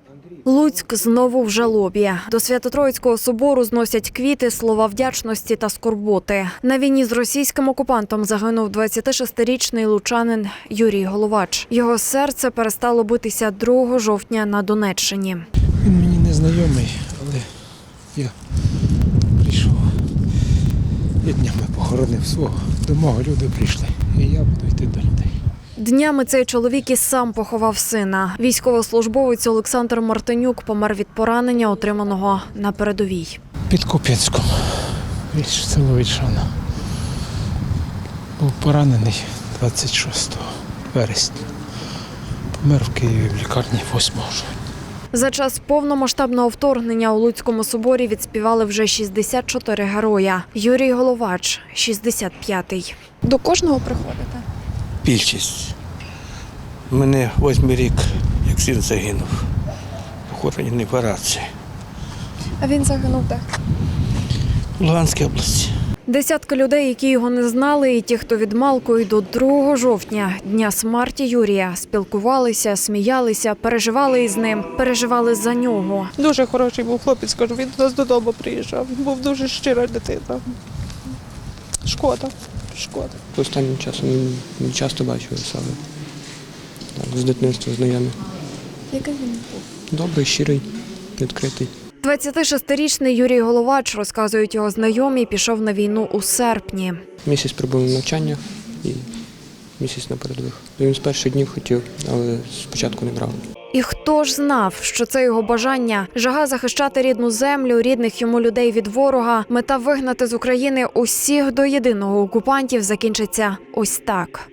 Луцьк знову в жалобі. До Свято-Троїцького собору зносять квіти, слова вдячності та скорботи. На війні з російським окупантом загинув 26-річний лучанин Юрій Головач. Його серце перестало битися 2 жовтня на Донеччині. Він мені не знайомий, але я прийшов. Я днями похоронив свого. До мого люди прийшли, і я буду йти до людей. Днями цей чоловік і сам поховав сина. Військовослужбовець Олександр Мартинюк помер від поранення, отриманого на передовій. Під Куп'янськом, село Вільшана. Був поранений 26 вересня. Помер в Києві в лікарні 8 жовтня. За час повномасштабного вторгнення у Луцькому соборі відспівали вже 64 героя. Юрій Головач – 65-й. До кожного приходите? Більшість. У мене 8-й рік, як син загинув. Похоронений в Арації. А він загинув де? В Луганській області. Десятки людей, які його не знали, і ті, хто від малку і до 2 жовтня, дня смерті Юрія, спілкувалися, сміялися, переживали із ним, переживали за нього. Дуже хороший був хлопець, кажу, він до нас додому приїжджав. Був дуже щира дитина. Шкода. Останнім часом не часто бачу саме. Так, з дитинства знайомі. Який він був? Добрий, щирий, відкритий. 26-річний Юрій Головач, розказують його знайомі, пішов на війну у серпні. Місяць прибув на навчання і місяць на передових. Він з перших днів хотів, але спочатку не брав. І хто ж знав, що це його бажання, жага захищати рідну землю, рідних йому людей від ворога, мета вигнати з України усіх до єдиного окупантів закінчиться ось так.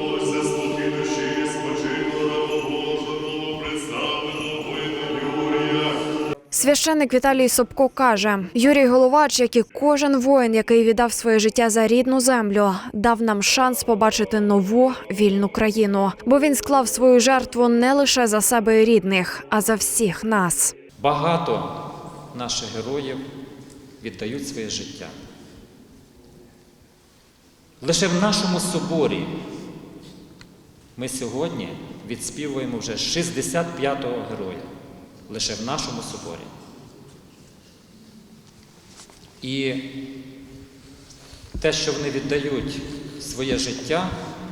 Священник Віталій Собко каже, Юрій Головач, як і кожен воїн, який віддав своє життя за рідну землю, дав нам шанс побачити нову вільну країну. Бо він склав свою жертву не лише за себе і рідних, а за всіх нас. Багато наших героїв віддають своє життя. Лише в нашому соборі ми сьогодні відспівуємо вже 65-го героя. Лише в нашому соборі. І те, що вони віддають своє життя,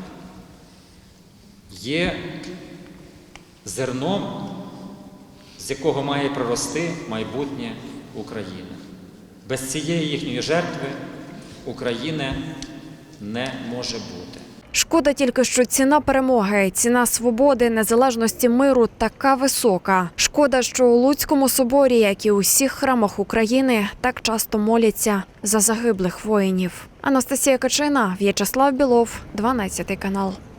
є зерном, з якого має прорости майбутнє України. Без цієї їхньої жертви України не може бути. Шкода тільки, що ціна перемоги, ціна свободи, незалежності, миру така висока. Шкода, що у Луцькому соборі, як і у всіх храмах України, так часто моляться за загиблих воїнів. Анастасія Качина, В'ячеслав Білов, 12 канал.